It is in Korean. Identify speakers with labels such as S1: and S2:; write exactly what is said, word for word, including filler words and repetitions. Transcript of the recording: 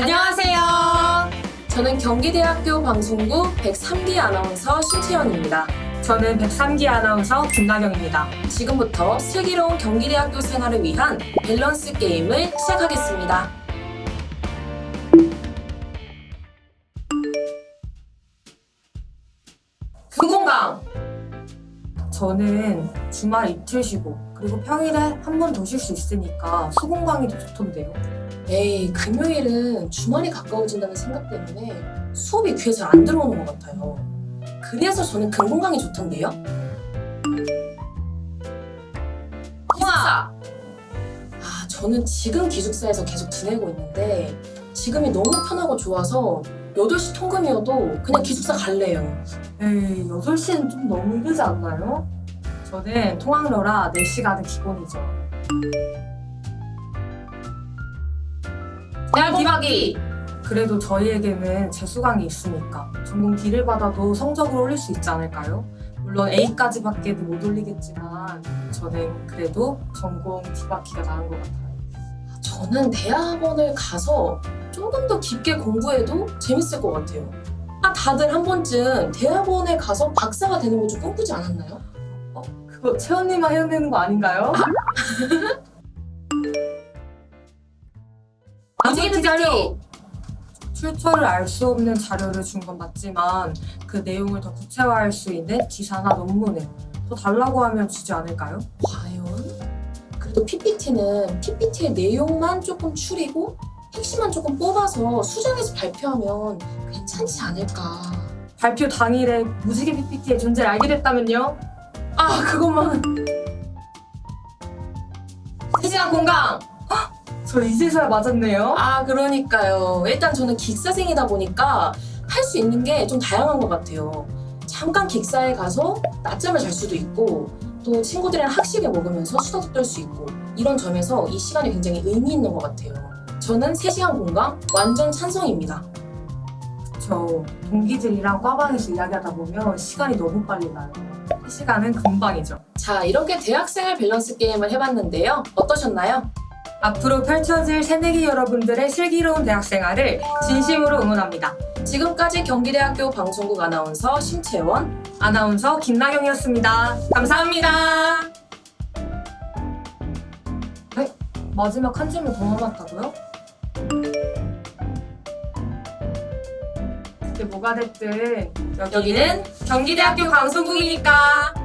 S1: 안녕하세요. 저는 경기대학교 방송국 백삼 기 아나운서 신채연입니다.
S2: 저는 백삼 기 아나운서 김나경입니다.
S1: 지금부터 슬기로운 경기대학교 생활을 위한 밸런스 게임을 시작하겠습니다. 수공강!
S2: 저는 주말 이틀 쉬고 그리고 평일에 한 번 더 쉴 수 있으니까 수공강이 더 좋던데요.
S1: 에이, 금요일은 주말이 가까워진다는 생각 때문에 수업이 귀에 잘 안 들어오는 것 같아요. 그래서 저는 금공강이 좋던데요. 기숙사! 아, 저는 지금 기숙사에서 계속 지내고 있는데 지금이 너무 편하고 좋아서 여덟 시 통금이어도 그냥 기숙사 갈래요.
S2: 에이, 여덟 시는 좀 너무 이르지 않나요? 저는 통학로라 네 시간은 기본이죠.
S1: 대학 기박이!
S2: 그래도 저희에게는 재수강이 있으니까 전공 D를 받아도 성적을 올릴 수 있지 않을까요? 물론 A까지밖에는 못 올리겠지만 저는 그래도 전공 D 받기가 나은 것 같아요.
S1: 저는 대학원을 가서 조금 더 깊게 공부해도 재밌을 것 같아요. 아, 다들 한 번쯤 대학원에 가서 박사가 되는 거 좀 꿈꾸지 않았나요?
S2: 그거 채연님만 해내는 거 아닌가요?
S1: 움직이는 자료!
S2: 출처를 알 수 없는 자료를 준 건 맞지만 그 내용을 더 구체화할 수 있는 기사나 논문을 더 달라고 하면 주지 않을까요?
S1: 과연? 그래도 피피티는 피피티의 내용만 조금 추리고 핵심만 조금 뽑아서 수정해서 발표하면 괜찮지 않을까.
S2: 발표 당일에 무지개 피피티의 존재를 알게 됐다면요?
S1: 아, 그것만. 세 시간 공강!
S2: 저 이제서야 맞았네요.
S1: 아, 그러니까요. 일단 저는 기사생이다 보니까 할 수 있는 게 좀 다양한 것 같아요. 잠깐 기사에 가서 낮잠을 잘 수도 있고 또 친구들이랑 학식을 먹으면서 수다도 떨 수 있고 이런 점에서 이 시간이 굉장히 의미 있는 것 같아요. 저는 세 시간 공강 완전 찬성입니다.
S2: 저 동기들이랑 과방에서 이야기하다 보면 시간이 너무 빨리 가요. 이 시간은 금방이죠.
S1: 자, 이렇게 대학생활 밸런스 게임을 해봤는데요. 어떠셨나요?
S2: 앞으로 펼쳐질 새내기 여러분들의 슬기로운 대학생활을 진심으로 응원합니다.
S1: 지금까지 경기대학교 방송국 아나운서 신채원,
S2: 아나운서 김나경이었습니다.
S1: 감사합니다.
S2: 마지막 한 질문 더 남았다고요? 그게 뭐가 됐든 여기는
S1: 여기는 경기대학교 방송국이니까.